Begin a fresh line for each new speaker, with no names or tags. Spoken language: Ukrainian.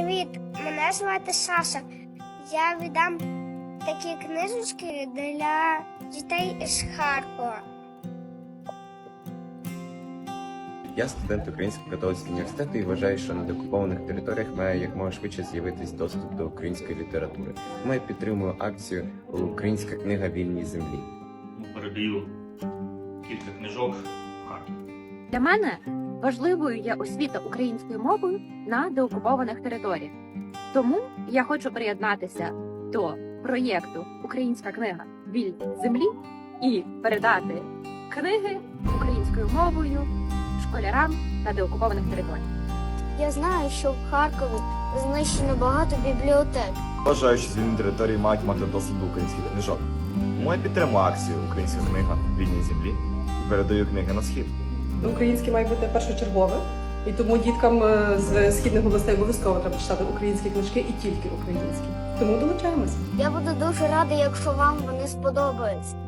Привіт, мене звати Саша. Я віддам такі книжечки для дітей із Харкова.
Я студент Українського католицького університету і вважаю, що на деокупованих територіях має якомога швидше з'явитись доступ до української літератури. Тому я підтримую акцію «Українська книга вільній землі».
Передаю кілька книжок в Харків.
Для мене важливою є освіта українською мовою на деокупованих територіях. Тому я хочу приєднатися до проєкту «Українська книга вільній землі» і передати книги українською мовою школярам на деокупованих територіях.
Я знаю, що в Харкові знищено багато бібліотек.
Вважаю, що звільнені території мають мати доступ до українських книжок. Тому я підтримую акцію «Українська книга вільній землі» і передаю книги на схід.
Українське має бути першочергове, і тому діткам з східних областей обов'язково треба читати українські книжки і тільки українські. Тому долучаємося.
Я буду дуже рада, якщо вам вони сподобаються.